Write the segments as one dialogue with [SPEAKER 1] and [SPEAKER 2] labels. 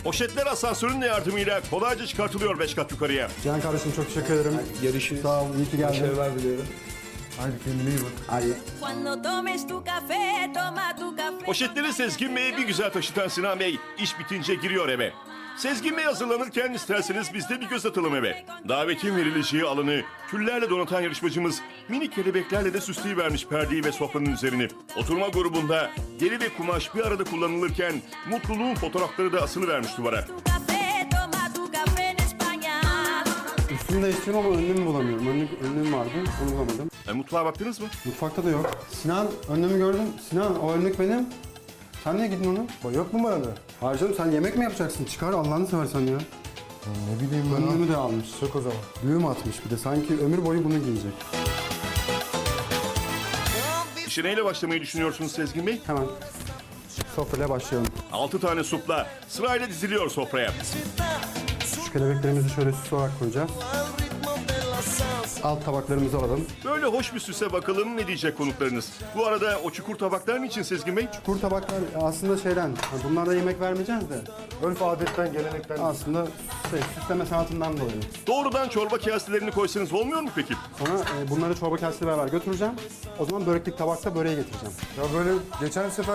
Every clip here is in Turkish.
[SPEAKER 1] Poşetler asansörün yardımıyla kolayca çıkartılıyor 5 kat yukarıya.
[SPEAKER 2] Cihan kardeşim çok teşekkür ederim.
[SPEAKER 3] Görüşürüz.
[SPEAKER 2] Sağ ol, iyi ki geldin.
[SPEAKER 3] Başarılar diliyorum.
[SPEAKER 2] Hadi kendine iyi bak. Hadi.
[SPEAKER 4] Cuando tomes tu café, toma tu café.
[SPEAKER 1] Poşetleri Sezgin Bey'e bir güzel taşıtan Sinan Bey iş bitince giriyor eve. Sezgin Bey hazırlanırken isterseniz biz de bir göz atalım eve. Davetin verileceği alanı küllerle donatan yarışmacımız minik kelebeklerle de süsleyivermiş perdeyi ve sofranın üzerini. Oturma grubunda deri ve kumaş bir arada kullanılırken mutluluğun fotoğrafları da asılıvermiş duvara.
[SPEAKER 4] Tu café, toma tu café en España.
[SPEAKER 2] Üstünü değiştirdim ama önlüğümü bulamıyorum. Önlüğüm vardı, onu bulamadım.
[SPEAKER 1] Mutfağa baktınız mı?
[SPEAKER 2] Mutfakta da yok. Sinan, önlüğümü gördüm. Sinan, o önlük benim. Sen niye gittin onu?
[SPEAKER 5] Yok mu bana da?
[SPEAKER 2] Hayır canım, sen yemek mi yapacaksın? Çıkar Allah'ını seversen ya.
[SPEAKER 5] Ne bileyim ben.
[SPEAKER 2] Önlüğümü de almış.
[SPEAKER 5] Sök o zaman.
[SPEAKER 2] Düğüm atmış bir de. Sanki ömür boyu bunu giyecek.
[SPEAKER 1] İşe neyle başlamayı düşünüyorsunuz Sezgin Bey?
[SPEAKER 2] Hemen sofrayla başlayalım.
[SPEAKER 1] 6 tane supla sırayla diziliyor sofraya.
[SPEAKER 2] Şu kelebeklerimizi şöyle süs olarak koyacağız. Alt tabaklarımızı alalım.
[SPEAKER 1] Böyle hoş bir süse bakalım ne diyecek konuklarınız. Bu arada o çukur tabaklar niçin Sezgin Bey?
[SPEAKER 2] Kuru tabaklar aslında şeyden, bunlarda yemek vermeyeceğiz de
[SPEAKER 5] Örf adetten, gelenekten.
[SPEAKER 2] aslında süsleme sanatından dolayı.
[SPEAKER 1] Doğrudan çorba kaselerini koysanız olmuyor mu peki?
[SPEAKER 2] Sonra bunları çorba kasesiyle beraber götüreceğim. O zaman böreklik tabakta böreğe getireceğim.
[SPEAKER 5] Ya böyle geçen sefer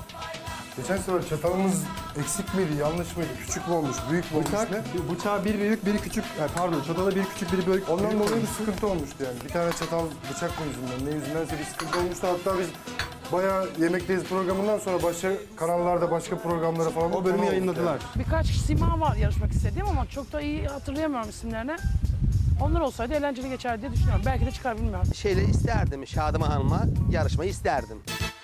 [SPEAKER 5] çatalımız eksik miydi, yanlış mıydı, küçük mü olmuş, büyük mü olmuş ne?
[SPEAKER 2] Bıçağı bir büyük, biri küçük, pardon çatalı bir küçük, biri büyük.
[SPEAKER 5] Ondan
[SPEAKER 2] büyük
[SPEAKER 5] dolayı bir
[SPEAKER 2] olmuş.
[SPEAKER 5] sıkıntı olmuştu yani. Bir tane çatal bıçak mı yüzünden, ne yüzündense bir sıkıntı olmuştu. Hatta biz bayağı Yemekteyiz programından sonra başka kanallarda, başka programlara falan
[SPEAKER 2] O bölümü
[SPEAKER 5] konu olduk
[SPEAKER 2] yayınladılar.
[SPEAKER 6] Birkaç sima var yarışmak istediğim ama çok da iyi hatırlayamıyorum isimlerini. Onlar olsaydı eğlenceli geçer diye düşünüyorum. Belki de çıkar bilmiyorum.
[SPEAKER 7] Şeyle isterdim, Şadıman Hanım'a yarışmayı isterdim.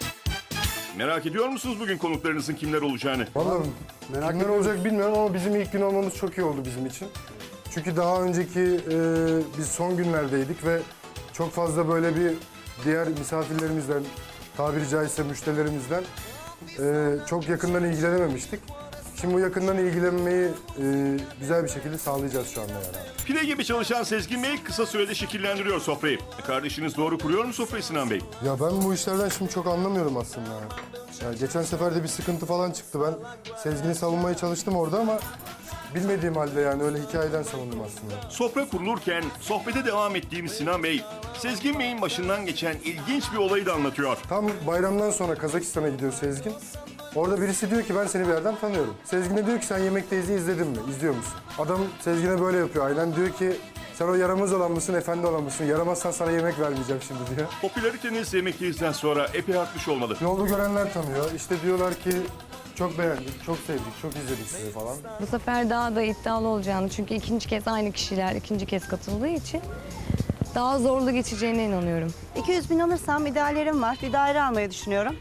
[SPEAKER 1] Merak ediyor musunuz bugün konuklarınızın kimler olacağını?
[SPEAKER 5] Vallahi kimler olacak bilmiyorum ama bizim ilk gün olmamız çok iyi oldu bizim için. Çünkü daha önceki biz son günlerdeydik ve çok fazla böyle bir diğer misafirlerimizden, tabiri caizse müşterilerimizden çok yakından ilgilenememiştik. Şimdi bu yakından ilgilenmeyi güzel bir şekilde sağlayacağız şu anda yani.
[SPEAKER 1] Pire gibi çalışan Sezgin Bey kısa sürede şekillendiriyor sofrayı. Kardeşiniz doğru kuruyor mu sofrayı Sinan Bey?
[SPEAKER 5] Ya ben bu işlerden şimdi çok anlamıyorum aslında. Yani geçen sefer de bir sıkıntı falan çıktı. Ben Sezgin'i savunmaya çalıştım orada ama bilmediğim halde yani öyle hikayeden savundum aslında.
[SPEAKER 1] Sofra kurulurken sohbete devam ettiğimiz Sinan Bey, Sezgin Bey'in başından geçen ilginç bir olayı da anlatıyor.
[SPEAKER 5] Tam bayramdan sonra Kazakistan'a gidiyor Sezgin. Orada birisi diyor ki ben seni bir yerden tanıyorum. Sezgin'e diyor ki sen Yemekteyiz izledin mi? İzliyor musun? Adam Sezgin'e böyle yapıyor aynen. Diyor ki sen o yaramaz olan mısın, efendi olan mısın? Yaramazsan sana yemek vermeyeceğim şimdi diyor.
[SPEAKER 1] Popülariteniz Yemekteyiz'den sonra epey artmış olmalı.
[SPEAKER 5] Yolda görenler tanıyor. İşte diyorlar ki çok beğendik, çok sevdik, çok izledik sizi falan.
[SPEAKER 8] Bu sefer daha da iddialı olacağını çünkü ikinci kez aynı kişiler ikinci kez katıldığı için daha zorlu geçeceğine inanıyorum.
[SPEAKER 9] 200 bin alırsam ideallerim var. Bir daire almayı düşünüyorum.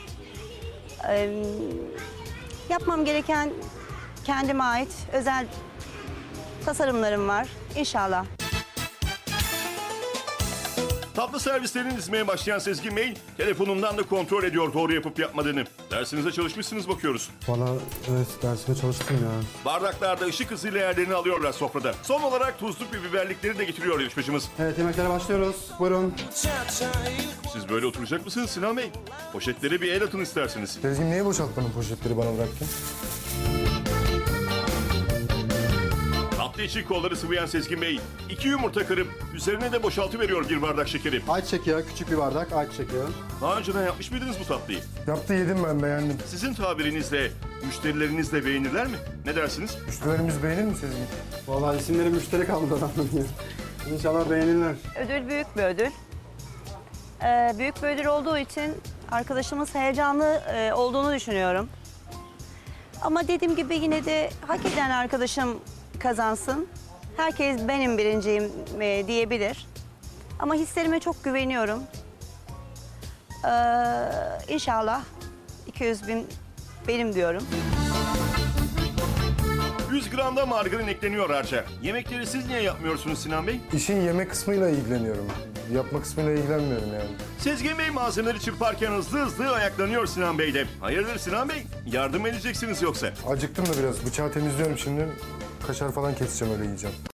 [SPEAKER 9] Yapmam gereken kendime ait özel tasarımlarım var. İnşallah.
[SPEAKER 1] Tatlı servislerini dizmeye başlayan Sezgin Bey, telefonundan da kontrol ediyor doğru yapıp yapmadığını. Dersinize çalışmışsınız bakıyoruz.
[SPEAKER 2] Valla evet dersime çalıştım ya.
[SPEAKER 1] Bardaklarda ışık hızıyla yerlerini alıyorlar sofrada. Son olarak tuzluk ve biberlikleri de getiriyor yarışmacımız.
[SPEAKER 2] Evet yemeklere başlıyoruz. Buyurun.
[SPEAKER 1] Siz böyle oturacak mısınız Sinan Bey? Poşetlere bir el atın isterseniz.
[SPEAKER 5] Sezgin niye boşaltmadın poşetleri bana bıraktın?
[SPEAKER 1] Tatlı içi kolları sıvayan Sezgin Bey, 2 yumurta kırıp üzerine de boşaltıveriyor bir bardak şekeri.
[SPEAKER 2] Ayçiçek yağı, küçük bir bardak ayçiçek yağı.
[SPEAKER 1] Daha önceden yapmış mıydınız bu tatlıyı?
[SPEAKER 5] Yaptı yedim ben beğendim.
[SPEAKER 1] Sizin tabirinizle, müşterileriniz de beğenirler mi? Ne dersiniz?
[SPEAKER 5] Müşterilerimiz beğenir mi Sezgin?
[SPEAKER 2] Vallahi isimleri müşteri kaldı adamın ya. İnşallah beğenirler.
[SPEAKER 9] Ödül büyük bir ödül. Büyük bir ödül olduğu için arkadaşımız heyecanlı olduğunu düşünüyorum. Ama dediğim gibi yine de hak eden arkadaşım kazansın. Herkes benim birinciyim diyebilir. Ama hislerime çok güveniyorum. İnşallah 200 bin benim diyorum.
[SPEAKER 1] 100 gram da margarin ekleniyor harca. Yemekleri siz niye yapmıyorsunuz Sinan Bey?
[SPEAKER 5] İşin yeme kısmıyla ilgileniyorum. Yapma kısmıyla ilgilenmiyorum yani.
[SPEAKER 1] Sezgin Bey malzemeleri çırparken hızlı ayaklanıyor Sinan Bey de. Hayırdır Sinan Bey? Yardım edeceksiniz yoksa?
[SPEAKER 5] Acıktım da biraz. Bıçağı temizliyorum şimdi. Kaşar falan keseceğim öyle yiyeceğim.